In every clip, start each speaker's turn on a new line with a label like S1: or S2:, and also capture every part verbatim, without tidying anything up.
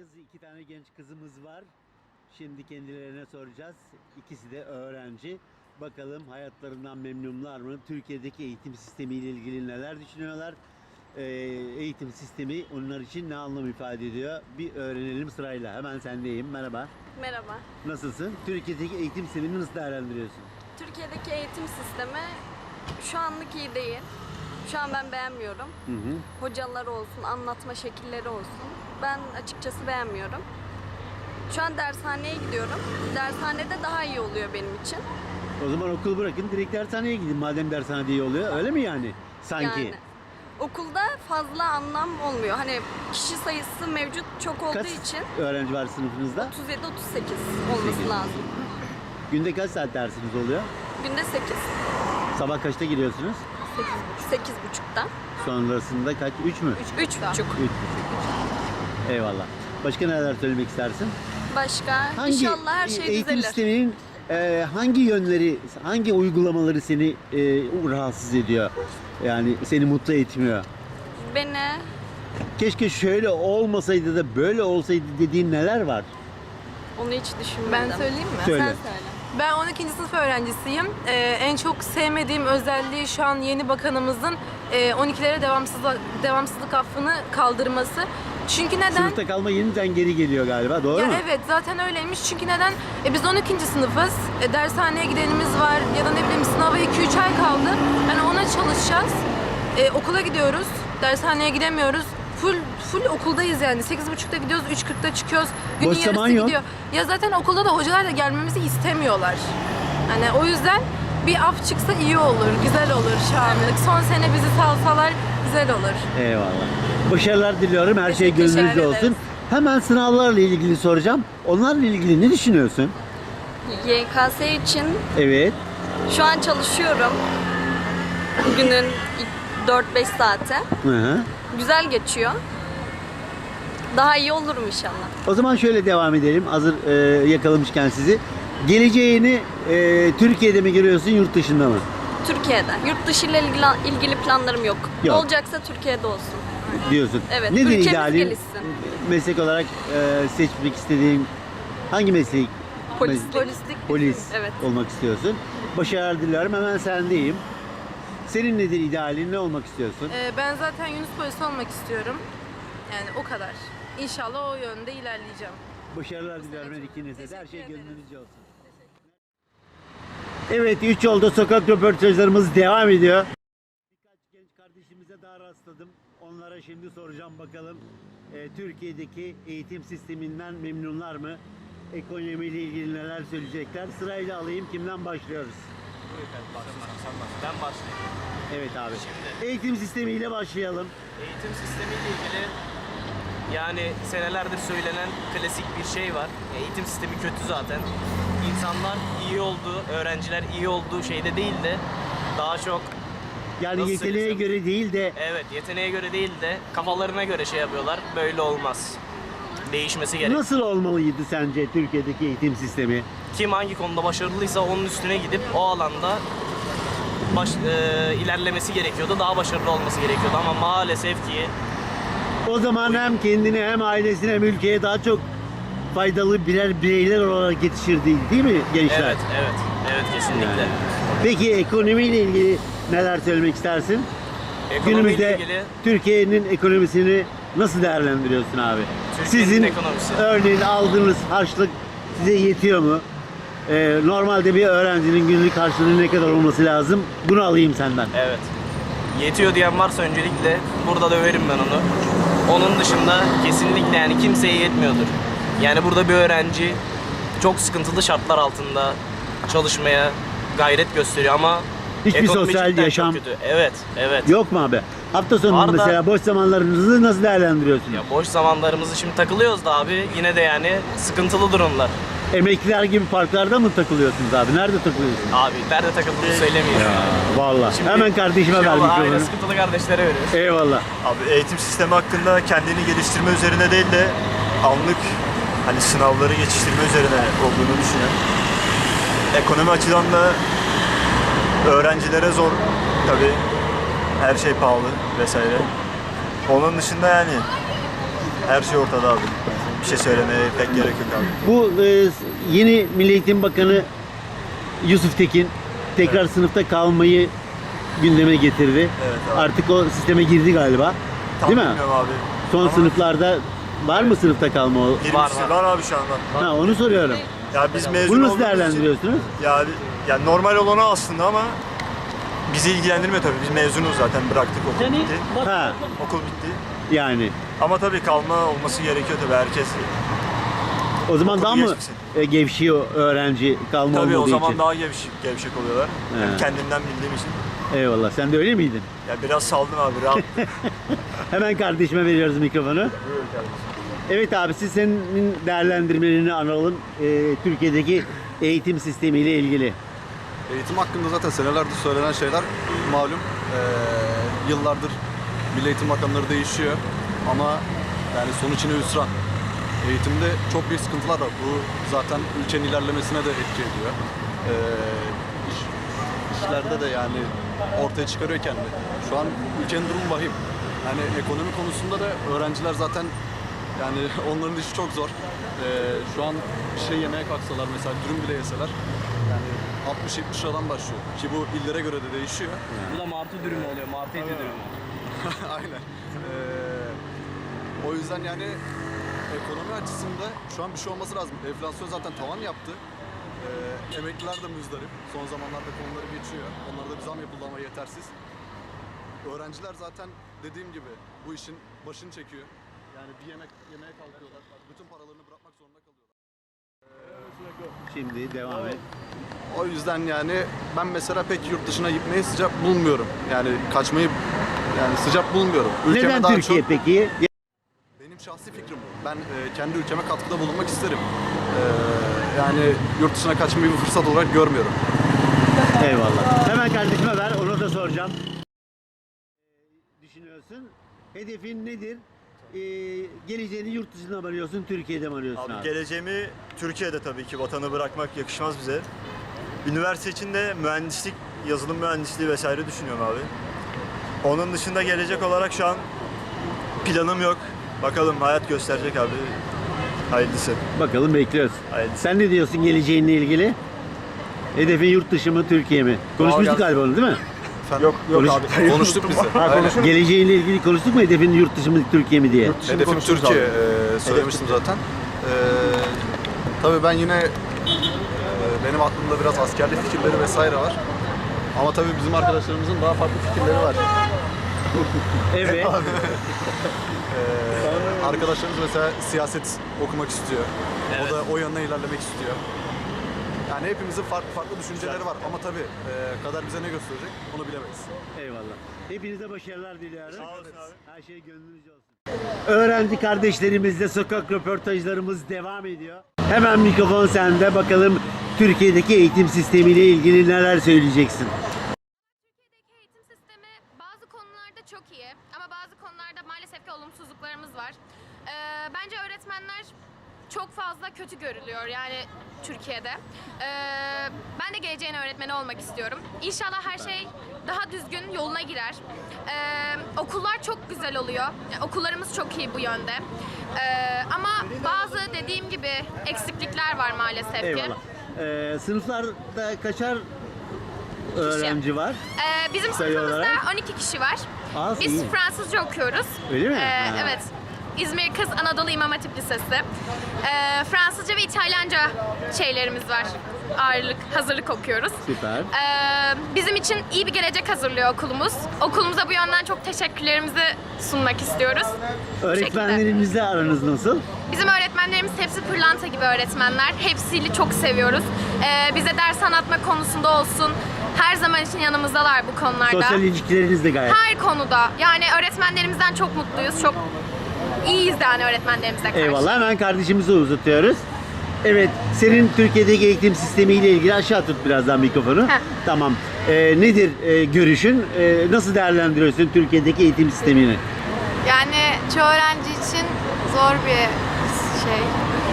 S1: iki tane genç kızımız var. Şimdi kendilerine soracağız. İkisi de öğrenci. Bakalım hayatlarından memnunlar mı? Türkiye'deki eğitim sistemiyle ilgili neler düşünüyorlar? Ee, eğitim sistemi onlar için ne anlam ifade ediyor? Bir öğrenelim sırayla. Hemen sendeyim. Merhaba.
S2: Merhaba.
S1: Nasılsın? Türkiye'deki eğitim sistemini nasıl değerlendiriyorsun?
S2: Türkiye'deki eğitim sistemi şu anlık iyi değil. Şu an ben beğenmiyorum.
S1: Hı hı.
S2: Hocalar olsun, anlatma şekilleri olsun. Ben açıkçası beğenmiyorum. Şu an dershaneye gidiyorum. Dershanede daha iyi oluyor benim için.
S1: O zaman okulu bırakın, direkt dershaneye gidin. Madem dershanede iyi oluyor. Öyle mi yani? Sanki.
S2: Yani okulda fazla anlam olmuyor. Hani kişi sayısı mevcut çok olduğu
S1: Kaç
S2: için
S1: öğrenci var sınıfınızda?
S2: otuz yedi otuz sekiz olması
S1: sekiz.
S2: lazım.
S1: Günde kaç saat dersiniz oluyor?
S2: Günde sekiz.
S1: Sabah kaçta giriyorsunuz?
S2: sekiz buçukta.
S1: Sonrasında kaç? üç mü?
S2: üç buçuk.
S1: üç. Eyvallah. Başka neler söylemek istersin?
S2: Başka?
S1: Hangi
S2: İnşallah her şey
S1: eğitim
S2: düzelir.
S1: sisteminin e, hangi yönleri, hangi uygulamaları seni e, rahatsız ediyor? Yani seni mutlu etmiyor?
S2: Beni
S1: Keşke şöyle olmasaydı da böyle olsaydı dediğin neler var?
S2: onu hiç düşünmedim.
S3: Ben söyleyeyim mi?
S1: Söyle.
S2: Sen söyle.
S3: Ben on ikinci sınıf öğrencisiyim. Ee, en çok sevmediğim özelliği şu an yeni bakanımızın e, on ikilere devamsızlık, devamsızlık affını kaldırması. Çünkü neden?
S1: Sınıfta kalma yeniden geri geliyor galiba, doğru
S3: Ya
S1: mu?
S3: evet, zaten öyleymiş. Çünkü neden? E, biz on ikinci sınıfız. E, dershaneye gidenimiz var ya da ne bileyim sınava iki üç ay kaldı. Yani ona çalışacağız. E, okula gidiyoruz. Dershaneye gidemiyoruz. Full full okuldayız yani. sekiz buçukta gidiyoruz, üç kırkta çıkıyoruz. Günün
S1: Boş
S3: yarısı
S1: zaman yok.
S3: gidiyor. Ya zaten okulda da hocalar da gelmemizi istemiyorlar. Hani o yüzden bir af çıksa iyi olur, güzel olur şu anlık. Son sene bizi salsalar güzel olur.
S1: Eyvallah. Başarılar diliyorum. Her şey
S3: Teşekkür
S1: gönlünüzce
S3: ederiz.
S1: olsun. Hemen sınavlarla ilgili soracağım. Onlarla ilgili ne düşünüyorsun?
S2: Y K S için
S1: Evet.
S2: şu an çalışıyorum. Günün dört beş saati.
S1: Hı hı.
S2: Güzel geçiyor. Daha iyi olurum inşallah.
S1: O zaman şöyle devam edelim. Hazır e, yakalamışken sizi. Geleceğini e, Türkiye'de mi görüyorsun, yurt dışında mı?
S2: Türkiye'de. Yurt dışı ile ilgili, ilgili planlarım yok.
S1: Yok.
S2: Olacaksa Türkiye'de olsun.
S1: Diyorsun.
S2: Evet,
S1: Nedir
S2: ülkemiz
S1: idealin?
S2: gelişsin.
S1: Meslek olarak e, seçmek istediğin hangi mesleği?
S2: Polislik.
S3: Polislik.
S1: Polis
S2: Evet.
S1: olmak istiyorsun. Başarılar diliyorum. Hemen sendeyim. Senin nedir idealin? Ne olmak istiyorsun?
S3: Ee, ben zaten Yunus polisi olmak istiyorum. Yani o kadar. İnşallah o yönde ilerleyeceğim.
S1: Başarılar diliyorum her ikinize de. Her şey
S3: Teşekkür ederiz.
S1: gönlünüzce olsun. Evet, üç yolda sokak röportajlarımız devam ediyor. Birkaç genç kardeşimize daha rastladım. Onlara şimdi soracağım bakalım. e, Türkiye'deki eğitim sisteminden memnunlar mı? Ekonomiyle ilgili neler söyleyecekler? Sırayla alayım. Kimden başlıyoruz?
S4: Ben başlayayım.
S1: Evet abi.
S4: Şimdi-
S1: Eğitim sistemiyle başlayalım.
S4: Eğitim sistemiyle ilgili yani senelerdir söylenen klasik bir şey var. Eğitim sistemi kötü zaten. İnsanlar iyi olduğu, öğrenciler iyi olduğu şeyde değil de daha çok
S1: Yani
S4: Nasıl
S1: yeteneğe
S4: söylesem?
S1: göre değil de
S4: evet yeteneğe göre değil de kafalarına göre şey yapıyorlar. Böyle olmaz. Değişmesi gerek.
S1: nasıl olmalıydı sence Türkiye'deki eğitim sistemi?
S4: Kim hangi konuda başarılıysa onun üstüne gidip o alanda baş, e, ilerlemesi gerekiyordu. Daha başarılı olması gerekiyordu ama maalesef ki
S1: O zaman hem kendine hem ailesine hem ülkeye daha çok faydalı birer bireyler olarak yetişirdi, değil mi gençler?
S4: evet evet evet kesinlikle.
S1: Yani. Peki ekonomiyle ilgili neler söylemek istersin?
S4: Ekonomiyle
S1: Günümüzde
S4: ilgili
S1: Türkiye'nin ekonomisini nasıl değerlendiriyorsun abi?
S4: Türkiye'nin
S1: Sizin
S4: ekonomisi.
S1: örneğin aldığınız harçlık size yetiyor mu? Ee, normalde bir öğrencinin günlük harçlığı ne kadar olması lazım? Bunu alayım senden.
S4: Evet. Yetiyor diyen varsa öncelikle burada döverim ben onu. Onun dışında kesinlikle yani kimseye yetmiyordur. Yani burada bir öğrenci çok sıkıntılı şartlar altında çalışmaya gayret gösteriyor ama
S1: Hiçbir
S4: ekonomi
S1: sosyal
S4: cidden çok
S1: yaşam
S4: kötü. Evet, evet.
S1: yok mu abi? Hafta sonu
S4: Var da-
S1: mesela boş zamanlarınızı nasıl değerlendiriyorsunuz?
S4: Ya boş zamanlarımızı şimdi takılıyoruz da abi yine de yani sıkıntılı durumlar.
S1: Emekliler gibi parklarda mı takılıyorsunuz abi? Nerede takılıyorsunuz?
S4: Abi nerede takıldığını söylemiyorum.
S1: Vallahi.
S4: Şimdi-
S1: Hemen kardeşime ver
S4: Şey oldu, aynen
S1: mikrofonu.
S4: sıkıntılı kardeşlere veriyoruz.
S1: Eyvallah.
S5: Abi eğitim sistemi hakkında kendini geliştirme üzerine değil de anlık hani sınavları geçiştirme üzerine olduğunu düşünüyorum. Ekonomi açıdan da öğrencilere zor tabii. Her şey pahalı vesaire. Onun dışında yani her şey ortada abi. bir şey söylemeye pek gerek yok abi.
S1: Bu e, yeni Milli Eğitim Bakanı Yusuf Tekin tekrar sınıfta kalmayı gündeme getirdi.
S5: Evet abi.
S1: Artık o sisteme girdi galiba.
S5: Tam
S1: Değil mi?
S5: bilmiyorum abi.
S1: Son
S5: Ama
S1: sınıflarda var mı sınıfta kalma? o-
S5: girmiştir.
S4: Var,
S5: Var,
S4: var.
S5: abi şu anda.
S1: Ha, onu soruyorum.
S5: Ya biz mezun
S1: Bunu nasıl
S5: olduğumuz için-
S1: değerlendiriyorsunuz?
S5: Ya, yani normal olanı aslında ama bizi ilgilendirmiyor tabii. Biz mezunuz zaten, bıraktık, okul bitti.
S1: Ha,
S5: Okul bitti.
S1: yani.
S5: Ama tabii kalma olması gerekiyor tabii, herkes.
S1: O zaman
S5: Okulu
S1: daha mı
S5: geçmişsin.
S1: e, gevşiyor öğrenci kalma
S5: Tabii
S1: olmadığı
S5: o zaman
S1: için?
S5: daha gevşek, gevşek oluyorlar.
S1: He.
S5: Hem kendimden bildiğim için.
S1: Eyvallah. Sen de öyle miydin?
S5: Ya biraz saldım abi, rahat.
S1: Hemen kardeşime veriyoruz mikrofonu. Evet abi, siz senin değerlendirmelerini alalım. Ee, Türkiye'deki eğitim sistemiyle ilgili.
S6: Eğitim hakkında zaten senelerdir söylenen şeyler malum. Ee, yıllardır Milli Eğitim Bakanları değişiyor ama yani sonuç yine hüsran. Eğitimde çok büyük sıkıntılar var. Bu zaten ülkenin ilerlemesine de etki ediyor. Ee, iş, işlerde de yani ortaya çıkarıyor kendini. Şu an ülkenin durumu vahim. Yani ekonomi konusunda da öğrenciler zaten yani onların işi çok zor. Ee, şu an bir şey yemeye kalksalar mesela dürüm bile yeseler yani altmış yetmiş liradan başlıyor. Ki bu illere göre de değişiyor.
S4: Bu da martı dürümü oluyor. Martı eti dürümü.
S6: Aynen. Ee, o yüzden yani ekonomi açısında şu an bir şey olması lazım. Enflasyon zaten tavan yaptı. Ee, emekliler de müzdarip. Son zamanlarda konuları geçiyor. Onlara da bir zam yapıldı ama yetersiz. Öğrenciler zaten dediğim gibi bu işin başını çekiyor. Yani bir yemek yemeye kalkıyorlar. Bütün paralarını bırakmak zorunda kalıyorlar.
S1: Şimdi devam et.
S6: O yüzden yani ben mesela pek yurt dışına gitmeyi sıcak bulmuyorum. Yani kaçmayı yani sıcak bulmuyorum. Ülkeme
S1: Neden
S6: daha
S1: Türkiye
S6: çok,
S1: peki?
S6: benim şahsi fikrim bu. Ben e, kendi ülkeme katkıda bulunmak isterim. E, yani yurt dışına kaçmayı bir fırsat olarak görmüyorum.
S1: Eyvallah. Hemen kardeşime ver, onu da soracağım. Ee, düşünüyorsun? Hedefin nedir? Ee, geleceğini yurt dışında mı arıyorsun, Türkiye'de mi arıyorsun
S5: Abi
S1: abi?
S5: geleceğimi Türkiye'de tabii ki, vatanı bırakmak yakışmaz bize. Üniversite için de mühendislik, yazılım mühendisliği vesaire düşünüyorum abi. Onun dışında gelecek olarak şu an planım yok. Bakalım, hayat gösterecek abi. Hayırlısı.
S1: Bakalım, bekliyoruz.
S5: Hayırlısı.
S1: Sen ne diyorsun geleceğinle ilgili? Hedefin yurt dışı mı, Türkiye mi? Konuşmuştuk
S5: gelsin.
S1: galiba onu, değil mi?
S6: Yok
S1: yok
S6: abi. Konuştuk biz de. Aynen.
S1: Geleceğiyle ilgili konuştuk mu? Hedefin yurt dışı mı, Türkiye mi diye?
S6: Hedefim Türkiye e, söylemiştim zaten. E, tabii ben yine e, benim aklımda biraz askerlik fikirleri vesaire var. Ama tabii bizim arkadaşlarımızın daha farklı fikirleri var.
S1: Evet.
S6: Ee, arkadaşlarımız mesela siyaset okumak istiyor. O da o yanına ilerlemek istiyor. Yani hepimizin farklı farklı düşünceleri var ama tabii e, kader bize ne gösterecek onu bilemeyiz.
S1: Eyvallah. Hepinize başarılar diliyorum.
S5: Sağ olasın abi.
S1: Her şey gönlünüzce olsun. Öğrenci kardeşlerimizle sokak röportajlarımız devam ediyor. Hemen mikrofon sende. Bakalım Türkiye'deki eğitim sistemiyle ilgili neler söyleyeceksin?
S7: Türkiye'deki eğitim sistemi bazı konularda çok iyi ama bazı konularda maalesef ki olumsuzluklarımız var. Ee, bence öğretmenler çok fazla kötü görülüyor yani Türkiye'de. Ee, ben de geleceğin öğretmeni olmak istiyorum. İnşallah her şey daha düzgün yoluna girer. Ee, okullar çok güzel oluyor. Yani okullarımız çok iyi bu yönde. Ee, ama bazı dediğim gibi eksiklikler var maalesef ki.
S1: Eyvallah. Ee, sınıflarda kaçar öğrenci var?
S7: Ee, bizim
S1: Sayı
S7: sınıfımızda
S1: olarak?
S7: on iki kişi var.
S1: Az,
S7: Biz
S1: iyi.
S7: Fransızca okuyoruz.
S1: Öyle mi?
S7: Ee,
S1: Ha.
S7: evet. İzmir Kız Anadolu İmam Hatip Lisesi. Ee, Fransızca ve İtalyanca şeylerimiz var. Ağırlık, hazırlık okuyoruz.
S1: Süper.
S7: Ee, bizim için iyi bir gelecek hazırlıyor okulumuz. Okulumuza bu yönden çok teşekkürlerimizi sunmak istiyoruz. Bu şekilde.
S1: Öğretmenlerimizle aranız nasıl?
S7: Bizim öğretmenlerimiz hepsi pırlanta gibi öğretmenler. Hepsiyle çok seviyoruz. Ee, bize ders anlatma konusunda olsun. Her zaman için yanımızdalar bu konularda.
S1: Sosyal ilişkileriniz de gayet.
S7: Her konuda. Yani öğretmenlerimizden çok mutluyuz. Çok iyiyiz yani öğretmenlerimize karşı.
S1: Eyvallah. Hemen kardeşimizi uzatıyoruz. Evet, senin Türkiye'deki eğitim sistemiyle ilgili aşağı tut birazdan mikrofonu.
S7: Heh.
S1: Tamam. Ee, nedir e, görüşün? Ee, nasıl değerlendiriyorsun Türkiye'deki eğitim sistemini?
S8: Yani çoğu öğrenci için zor bir şey,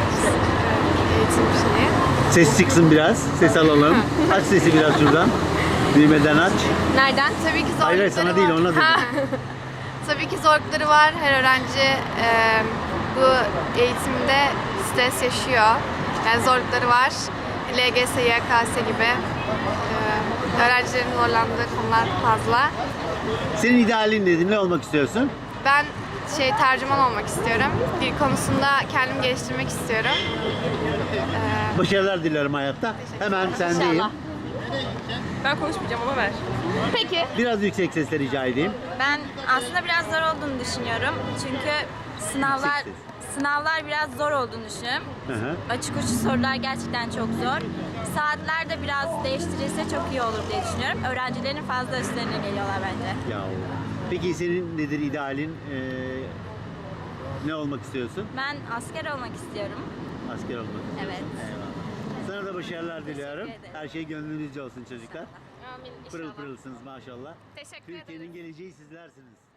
S8: eğitim şeyi.
S1: Ses çıksın biraz, ses alalım. Aç sesi biraz şuradan. Düğmeden aç.
S7: Nereden?
S8: Tabii ki zorlukları
S1: Hayır, hayır, sana değil,
S8: var.
S1: ona dedim.
S8: Tabii ki zorlukları var. Her öğrenci e, bu eğitimde stres yaşıyor. Yani zorlukları var. L G S, Y K S gibi e, öğrencilerin zorlandığı konular fazla.
S1: Senin idealin nedir? Ne olmak istiyorsun?
S8: Ben şey tercüman olmak istiyorum. Dil konusunda kendimi geliştirmek istiyorum.
S1: Başarılar dilerim hayatta. Hemen sendeyim.
S3: Ben konuşmayacağım ama ver.
S7: Peki.
S1: Biraz yüksek sesle rica edeyim.
S9: Ben aslında biraz zor olduğunu düşünüyorum. Çünkü sınavlar
S1: Yüksek
S9: sınavlar biraz zor olduğunu düşünüyorum.
S1: Hı hı.
S9: Açık uçlu sorular gerçekten çok zor. Saatler de biraz değiştirilse çok iyi olur diye düşünüyorum. Öğrencilerin fazla üstlerine geliyorlar bence.
S1: Ya. Peki senin nedir idealin? Ee, ne olmak istiyorsun?
S9: Ben asker olmak istiyorum.
S1: Asker olmak.
S9: Evet.
S1: Eyvallah. Sana da başarılar diliyorum.
S9: ederim.
S1: Her şey gönlünüzce olsun çocuklar.
S7: Amin
S1: Pırıl
S7: inşallah.
S1: pırılsınız maşallah.
S7: Teşekkür ederim.
S1: Türkiye'nin geleceği sizlersiniz.